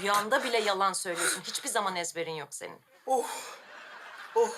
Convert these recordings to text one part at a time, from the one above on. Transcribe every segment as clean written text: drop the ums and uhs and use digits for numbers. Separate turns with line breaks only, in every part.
Rüyanda bile yalan söylüyorsun. Hiçbir zaman ezberin yok senin.
Oh. Oh.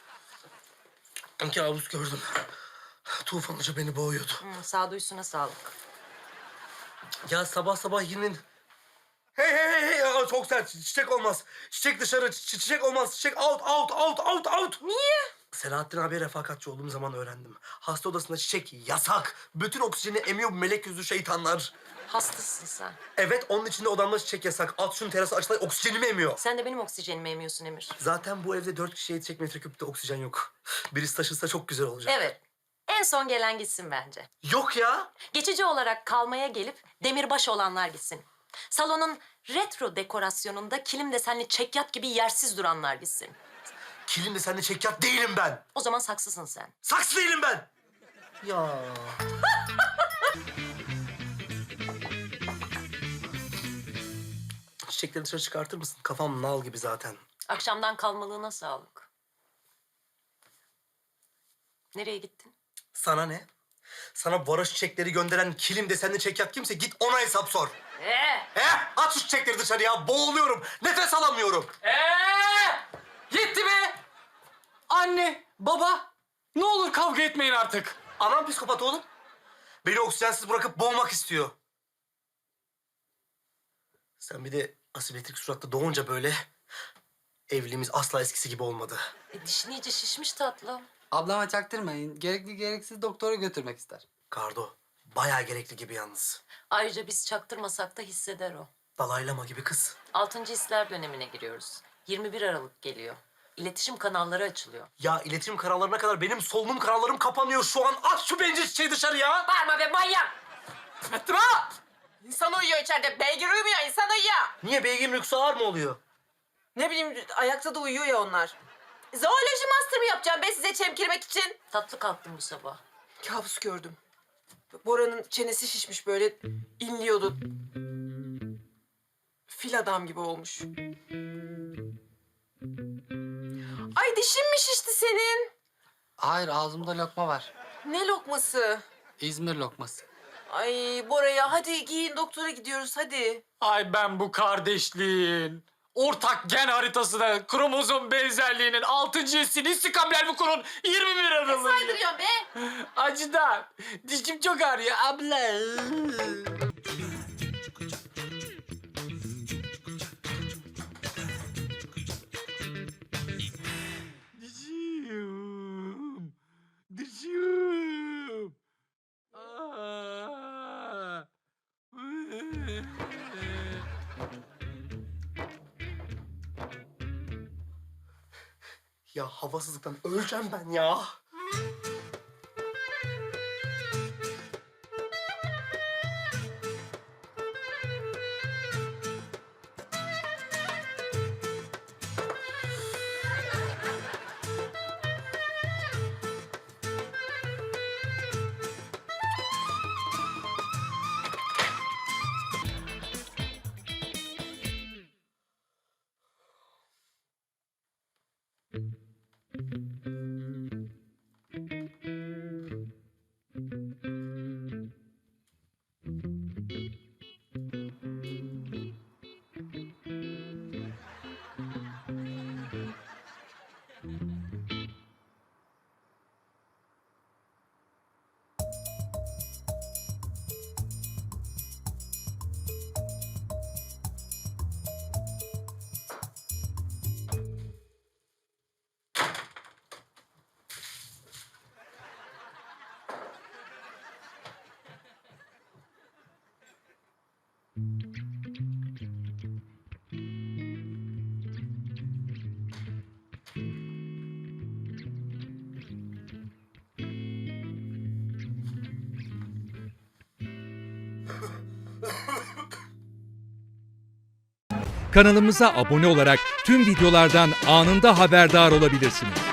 Kabus gördüm. Tufan Hoca beni boğuyordu.
Sağduyusuna sağlık.
Ya sabah sabah yine... Hey! Aa, çok sert. Çiçek olmaz. Çiçek dışarı. Çiçek olmaz. Çiçek out.
Niye?
Selahattin abiye refakatçi olduğum zaman öğrendim. Hasta odasında çiçek yasak. Bütün oksijeni emiyor bu melek yüzlü şeytanlar.
Hastasın sen.
Evet, onun içinde odamda çiçek yasak. At şunu terasa açılay, oksijenimi emiyor.
Sen de benim oksijenimi emiyorsun Emir.
Zaten bu evde 4 kişiye yetecek metreküpte oksijen yok. Birisi taşınsa çok güzel olacak.
Evet. En son gelen gitsin bence.
Yok ya.
Geçici olarak kalmaya gelip demirbaş olanlar gitsin. Salonun retro dekorasyonunda kilim desenli çekyat gibi yersiz duranlar gitsin.
Kilimle seninle çekyat değilim ben.
O zaman saksısın sen.
Saksı değilim ben. Ya. Çiçekleri dışarı çıkartır mısın? Kafam nal gibi zaten.
Akşamdan kalmalığına sağlık. Nereye gittin?
Sana ne? Sana varoş çiçekleri gönderen kilim desenli çekyat kimse git ona hesap sor. At şu çiçekleri dışarıya. Boğuluyorum. Nefes alamıyorum.
Yetti be! Anne, baba, ne olur kavga etmeyin artık.
Anam psikopat oğlum. Beni oksijensiz bırakıp boğmak istiyor. Sen bir de asimetrik suratla doğunca böyle... evliliğimiz asla eskisi gibi olmadı.
Dişin iyice şişmiş tatlım.
Ablama çaktırmayın. Gerekli gereksiz doktora götürmek ister.
Kardo, bayağı gerekli gibi yalnız.
Ayrıca biz çaktırmasak da hisseder o.
Dalaylama gibi kız.
6. hisler dönemine giriyoruz. 21 Aralık geliyor. İletişim kanalları açılıyor.
Ya iletişim kanallarına kadar benim solunum kanallarım kapanıyor şu an. At şu bencil çiçeği dışarıya.
Bağırma be manyak!
Fıtra! İnsan uyuyor içeride. Beygir uyumuyor, insan uyuyor.
Niye beygirin uykusu ağır mı oluyor?
Ne bileyim, ayakta da uyuyor ya onlar. Zooloji master mı yapacağım ben size çemkirmek için?
Tatlı kalktım bu sabah.
Kabus gördüm. Bora'nın çenesi şişmiş böyle, inliyordu. Fil adam gibi olmuş. Ay dişin mi şişti senin?
Hayır, ağzımda lokma var.
Ne lokması?
İzmir lokması.
Ay Bora'ya hadi giyin, doktora gidiyoruz hadi.
Ay ben bu kardeşliğin, ortak gen haritasına, kromozom benzerliğinin 6. hissini istikamler bu kurun 21 Aralık'ı.
Saydırıyorsun be.
Acıdan. Dişim çok ağrıyor abla. Dişim. Aa.
Ya havasızlıktan öleceğim ben ya.
Kanalımıza abone olarak tüm videolardan anında haberdar olabilirsiniz.